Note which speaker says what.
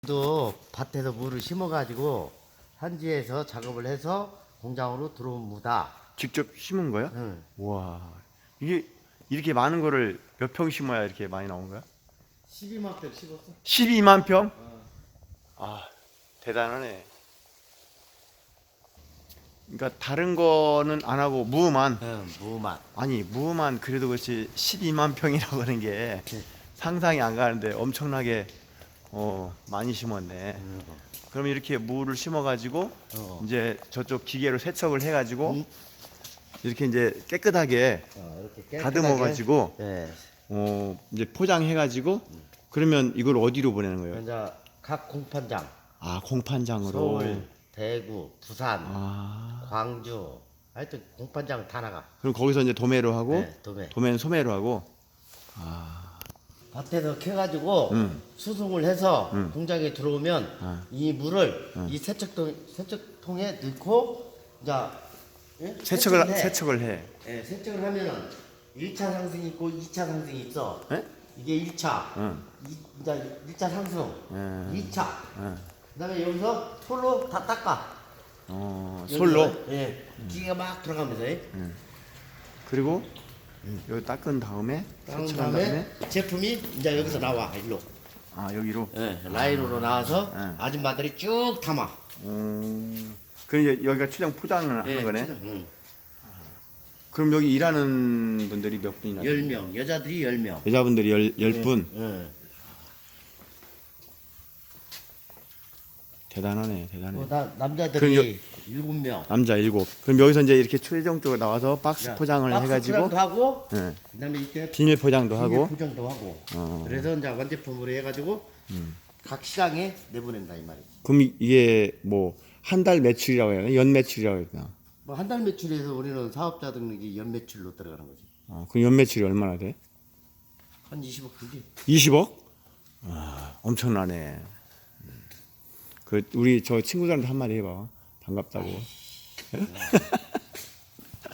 Speaker 1: 또 밭에서 물을 심어가지고 현지에서 작업을 해서 공장으로 들어온 무다.
Speaker 2: 직접 심은 거야?
Speaker 1: 응.
Speaker 2: 와, 이게 이렇게 많은 거를 몇 평 심어야 이렇게 많이 나온 거야?
Speaker 1: 12만 평 심었어.
Speaker 2: 12만 평? 아, 대단하네. 그러니까 다른 거는 안 하고 무만.
Speaker 1: 응, 무만.
Speaker 2: 아니, 무만 그래도 그렇지 12만 평이라고 하는 게 상상이 안 가는데 엄청나게 많이 심었네. 그럼 이렇게 무를 심어가지고 이제 저쪽 기계로 세척을 해가지고
Speaker 1: 응?
Speaker 2: 이렇게 이제 깨끗하게
Speaker 1: 이렇게 깨끗하게.
Speaker 2: 다듬어가지고
Speaker 1: 네.
Speaker 2: 이제 포장해가지고 그러면 이걸 어디로 보내는 거예요?
Speaker 1: 이제 각 공판장,
Speaker 2: 아, 공판장으로.
Speaker 1: 서울, 대구, 부산,
Speaker 2: 아,
Speaker 1: 광주, 하여튼 공판장 다 나가.
Speaker 2: 그럼 거기서 이제 도매로 하고
Speaker 1: 네, 도매.
Speaker 2: 도매는 소매로 하고.
Speaker 1: 밭에서 캐가지고 수송을 해서 공장에 들어오면 이 물을 이 세척통에 넣고 이제 예?
Speaker 2: 세척을 해.
Speaker 1: 예, 세척을 하면은 1차 상승이 있고 2차 상승이 있어.
Speaker 2: 예?
Speaker 1: 이게 1차. 이제 1차 상승. 2차. 그다음에 여기서 솔로 다 닦아.
Speaker 2: 솔로.
Speaker 1: 여기서, 예. 기계가 막 들어가면서. 예.
Speaker 2: 그리고 여기 닦은 다음에
Speaker 1: 닦은
Speaker 2: 세척한
Speaker 1: 다음에
Speaker 2: 다음에
Speaker 1: 제품이 이제 여기서 나와 일로.
Speaker 2: 여기로.
Speaker 1: 예, 라인으로 나와서 아줌마들이 쭉 담아.
Speaker 2: 그럼 이제 여기가 최종 포장을 하는 거네. 그럼 여기 일하는 분들이 몇 분이나?
Speaker 1: 10명, 여자들이 10명.
Speaker 2: 여자분들이 10분.
Speaker 1: 예.
Speaker 2: 대단하네, 대단해.
Speaker 1: 남자들이 7명.
Speaker 2: 남자 7. 그럼 여기서 이제 이렇게 최종적으로 나와서 박스 포장을
Speaker 1: 박스
Speaker 2: 해가지고
Speaker 1: 포장도 하고,
Speaker 2: 예,
Speaker 1: 그다음에 이렇게
Speaker 2: 비닐 포장도
Speaker 1: 비닐
Speaker 2: 하고.
Speaker 1: 포장도 하고. 그래서 이제 완제품으로 해가지고 각 시장에 내보낸다 이 말이지.
Speaker 2: 그럼 이게 뭐 한 달 매출이라고 해야 되나? 연 매출이라고 해야 되나?
Speaker 1: 뭐 한 달 매출에서 우리는 사업자 등록이 연 매출로 들어가는 거지.
Speaker 2: 그럼 연 매출이 얼마나 돼?
Speaker 1: 한 20억 되지.
Speaker 2: 20억? 엄청나네. 그 우리 저 친구들한테 한마디 해봐. 반갑다고.